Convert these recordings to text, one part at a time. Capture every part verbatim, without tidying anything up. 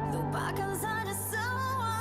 Lupakan saja semua,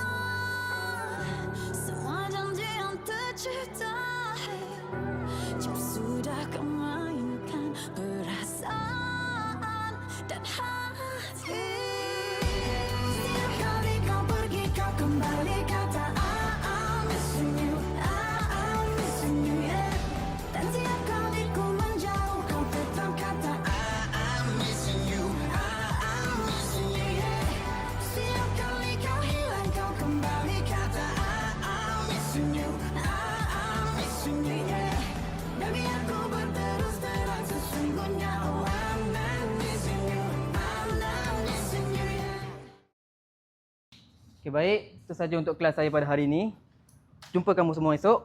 semua janji yang tercipta. Jika sudah kau mainkan perasaan dan hati. Setiap kali kau pergi kau kembali kata I'm missing you, I'm missing you, yeah. Dan tiap kali ku menjauh kau tetap kata I'm missing you, I'm missing you, yeah. Setiap kali kau hilang kau kembali kata I'm missing you, I'm missing you, yeah. Dan biar ku berterus terang sesungguhnya oh I'm not missing you, I'm not missing you, yeah. Okay, baik. Itu saja untuk kelas saya pada hari ini. Jumpa kamu semua esok.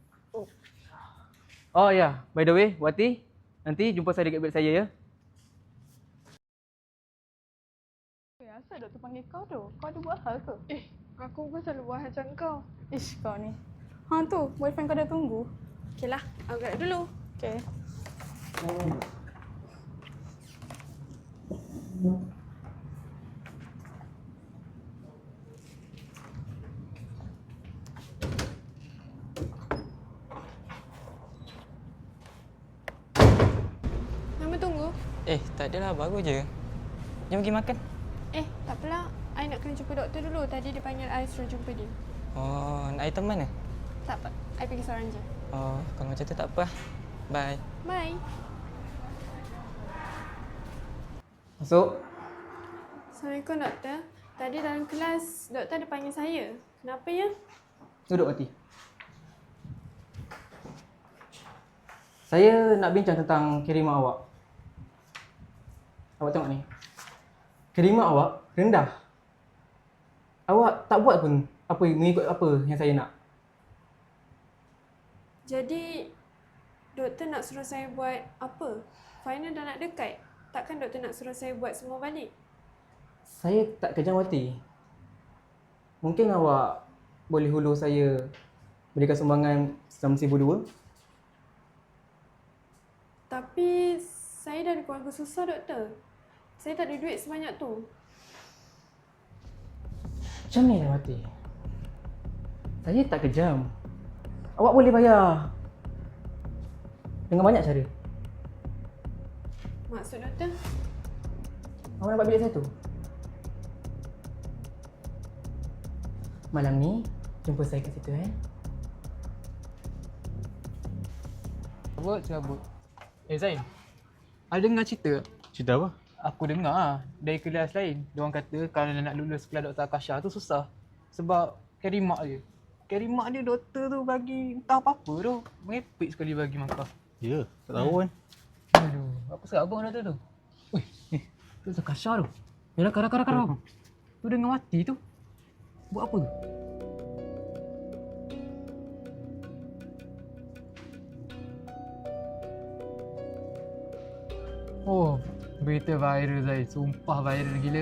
Oh ya, yeah. By the way, Wati, nanti jumpa saya dekat bilik saya ya. Eh, asal doktor panggil kau tu? Kau ada buat hal ke? Eh, aku pun selalu buat macam kau. Ish, kau ni. Ha tu, boyfriend kau dah tunggu. Okey lah, aku gerak dulu. Okey. Nama tunggu. Eh, tak adalah. Baru je. Jom pergi makan. Eh, tak apalah. I nak kena jumpa doktor dulu. Tadi dia panggil I suruh jumpa dia. Oh, nak air teman ke? Tak apa. I pergi seorang je. Oh, kalau macam tu tak apa. Bye. Bye. Masuk. Assalamualaikum doktor. Tadi dalam kelas doktor ada panggil saya. Kenapa ya? Duduk, Wati. Saya nak bincang tentang kiriman awak. Awak tengok ni. Kiriman awak rendah. Awak tak buat pun apa mengikut apa yang saya nak. Jadi, doktor nak suruh saya buat apa? Final dah nak dekat. Takkan doktor nak suruh saya buat semua balik? Saya tak kejam, Wati. Mungkin awak boleh hulur saya berikan sumbangan selama seribu dua. Tapi, saya dari keluarga susah, doktor. Saya tak ada duit sebanyak tu. Macam ni lah, Wati. Saya tak kejam. Awak boleh bayar dengan banyak cara. Maksud doktor? Awak nampak bilik saya tu? Malam ni, jumpa saya kat situ eh. Cabut, cabut. Eh Zain, ada dengar cerita? Cerita apa? Aku dengar ah dari kelas lain. Diorang kata kalau nak lulus kelas Doktor Akasha tu susah. Sebab carry mark dia. Carry mark dia doktor tu bagi entah apa-apa tu. Merepek sekali bagi markah. Ya, tak tahu kan. Aduh, apa serabang doktor tu? Weh, eh, tu Doktor Akasha tu. Ya rakar, rakar, rakar. Tu dengan mati tu. Buat apa tu? Oh, berita viral Zai. Sumpah viral gila.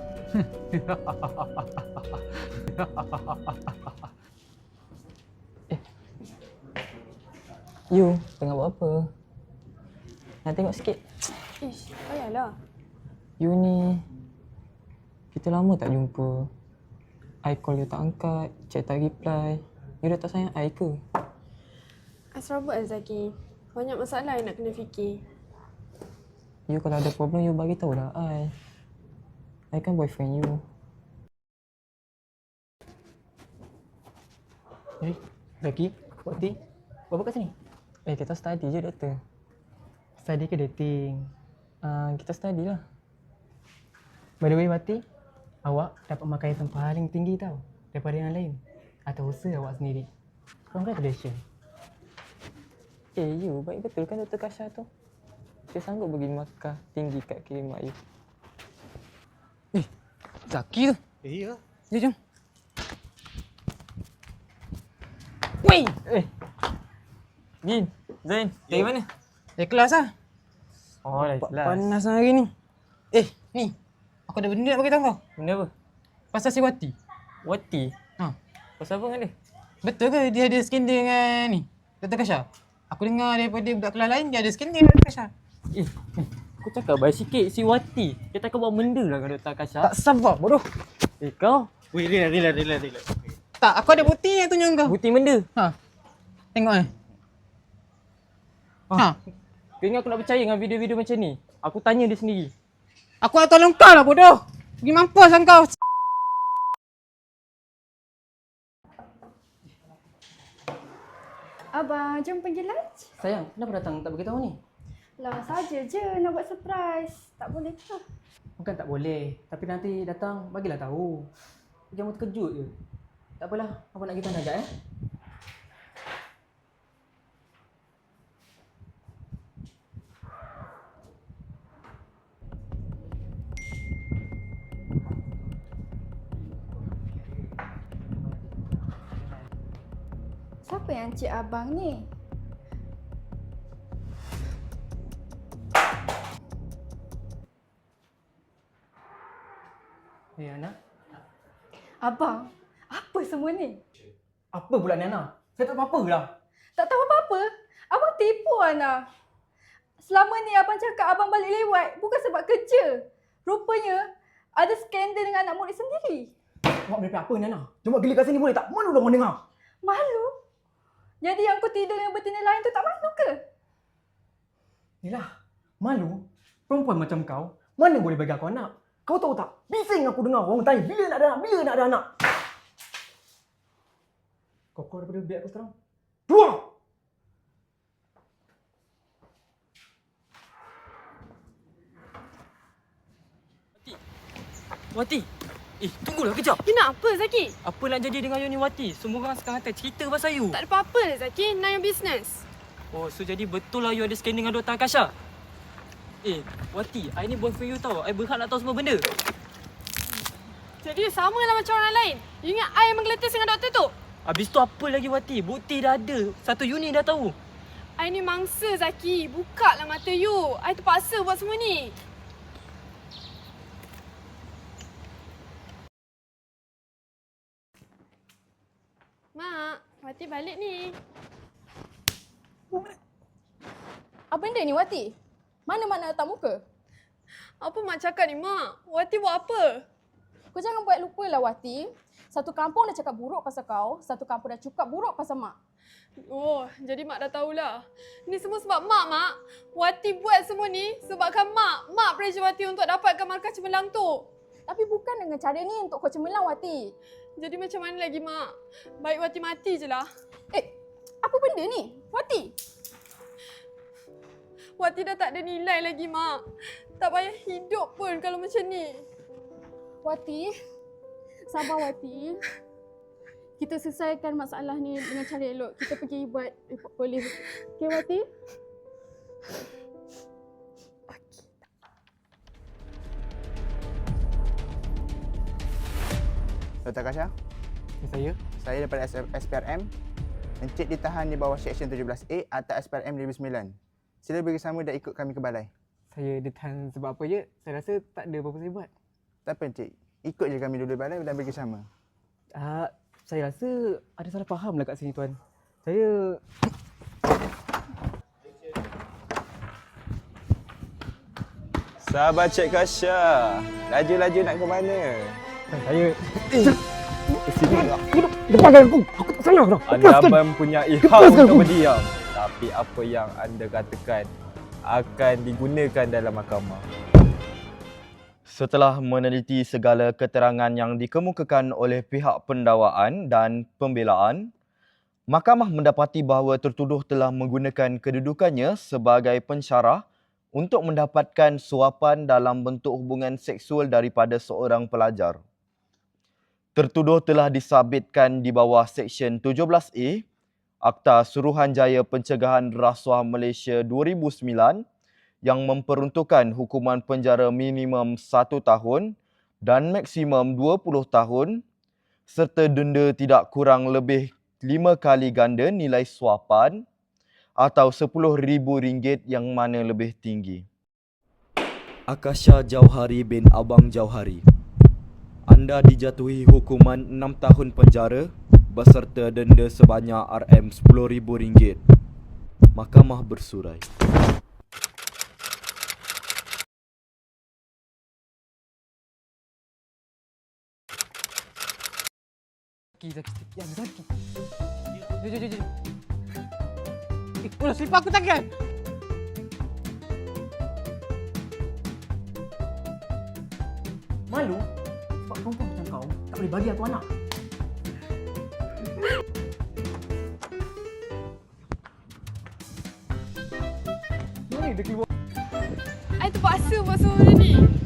You, tengah buat apa? Nak tengok sikit. Ish, payahlah. You ni, kita lama tak jumpa. I call you tak angkat, chat tak reply. You dah tak sayang I ke? I serabut Azaki. Banyak masalah yang nak kena fikir. You kalau ada problem, you bagi tahu lah I. I kan boyfriend you. Eh, Zaki, Wati, buat apa kat sini? Eh, kita study je doktor. Study ke dating? Uh, kita study lah. By the way, Wati, awak dapat markah yang paling tinggi tau daripada yang lain. Atau usaha awak sendiri. Congratulations. Eh, you baik betul kan Doktor Kasha tu? Dia sanggup bagi markah tinggi kat kirimat you. Eh, Zaki tu. Eh, ya. Jom, jom. Weh! Eh! Bin, Zain, dari mana? Eh, kelas lah. Oh, dah kelas. Panas hari ni. Eh, ni. Aku ada benda nak bagi tahu kau. Benda apa? Pasal si Wati. Wati? Ha. Pasal apa dengan dia? Betul ke dia ada skin dia dengan ni? Doktor Kasha? Aku dengar daripada budak kelas lain dia ada skin dia dengan Doktor Kasha. Eh, Aku cakap baik sikit si Wati. Dia takkan buat benda lah dengan Doktor Akasha. Tak sabar bodoh. Eh kau, Weh, relax, relax, relax, relax. Tak, aku ada bukti yang tunjuk kau. bukti benda. Ha. Tengok eh. Ha. Kau ingat aku nak percaya dengan video-video macam ni? Aku tanya dia sendiri. Aku nak tolong kau lah bodoh. Pergi mampus lah kau. Abang, jom pergi lunch. Sayang, kenapa datang tak beritahu ni? Lah, saja je nak buat surprise. Tak boleh ke? Bukan tak boleh, tapi nanti datang bagilah tahu. Jangan terkejut je. Tak apalah, apa nak kita ajak eh? Siapa yang cik abang ni? Eh Ana, Abang, apa semua ni? apa pula ni Ana? Saya tak tahu apa-apa lah. Tak tahu apa-apa? Abang tipu Ana. Selama ni abang cakap abang balik lewat bukan sebab kerja. Rupanya ada skandal dengan anak murid sendiri. Awak merepek apa ni Ana? Cuma geli kat sini boleh tak? Mana orang dengar? Malu? Jadi yang kau tidur dengan betina lain tu tak malu ke? Yelah, malu? Perempuan macam kau, mana boleh bagi aku anak? Kau tahu tak? Bising aku dengar orang tanya bila nak ada anak, bila nak ada anak. Kau keluar daripada bilik aku sekarang. Keluar! Wati. Eh, tunggulah kejap. You nak apa Zaki? Apa nak jadi dengan Yoni Wati? Semua orang sekarang hantar cerita pasal you. Tak ada apa-apa lah Zaki, mind your business. Oh, so jadi betul lah you ada scanning dengan Doktor Akasha? Eh, Wati, I ni boyfriend you tau. I berhak nak tahu semua benda. Jadi you sama lah macam orang lain. You ingat I yang menggeletis dengan doktor tu? Habis tu apa lagi Wati? Bukti dah ada. Satu unit dah tahu. I ni mangsa Zaki. Buka lah mata you. I terpaksa buat semua ni. Mak, Wati balik ni. Apa benda ni Wati? Mana mak nak letak muka? Apa mak cakap ni mak? Wati buat apa? Kau jangan buat lupa lah Wati. Satu kampung dah cakap buruk pasal kau, satu kampung dah cakap buruk pasal mak. Oh, jadi mak dah tahulah. Ni semua sebab mak, mak. Wati buat semua ni sebabkan mak. Mak pressure Wati untuk dapatkan markah cemerlang tu. Tapi bukan dengan cara ni untuk kau cemerlang Wati. Jadi macam mana lagi mak? Baik Wati mati je lah. Eh, apa benda ni? Wati? Wati dah tak ada nilai lagi mak. Tak payah hidup pun kalau macam ni. Wati, sabar Wati. Kita selesaikan masalah ni dengan cara elok. Kita pergi buat report polis. Okey Wati? Doktor Akasha, Saya? saya daripada S P R M. Encik ditahan di bawah Seksyen tujuh belas A atau S P R M dua ribu sembilan. Sila bersama dan ikut kami ke balai. Saya ditahan sebab apa je? Saya rasa tak ada apa-apa saya buat. Tak apa Encik, ikut je kami dulu di balai dan bersama. Ah, saya rasa ada salah faham lah kat sini tuan. Saya Sabar Cik Kasha. Laju-laju nak ke mana? saya Sini. lepaskan aku. Aku tak salah dah. Anda mempunyai hak Lepaskan untuk aku. berdiam. Tapi apa yang anda katakan akan digunakan dalam mahkamah. Setelah meneliti segala keterangan yang dikemukakan oleh pihak pendakwaan dan pembelaan, mahkamah mendapati bahawa tertuduh telah menggunakan kedudukannya sebagai pensyarah untuk mendapatkan suapan dalam bentuk hubungan seksual daripada seorang pelajar. Tertuduh telah disabitkan di bawah Seksyen tujuh belas A Akta Suruhanjaya Pencegahan Rasuah Malaysia dua ribu sembilan yang memperuntukkan hukuman penjara minimum satu tahun dan maksimum dua puluh tahun serta denda tidak kurang lebih lima kali ganda nilai suapan atau sepuluh ribu ringgit yang mana lebih tinggi. Akasha Jauhari bin Abang Jauhari. Anda dijatuhi hukuman enam tahun penjara beserta denda sebanyak R M sepuluh ribu ringgit. Mahkamah bersurai. Zaki, Zaki. Ya, Zaki. Jom, jom, jom, jom. Eh, ulah selipar aku tangan. Malu? Sebab perempuan macam kau tak boleh bagi aku anak. Mana dia keluar? I terpaksa buat semua benda ni.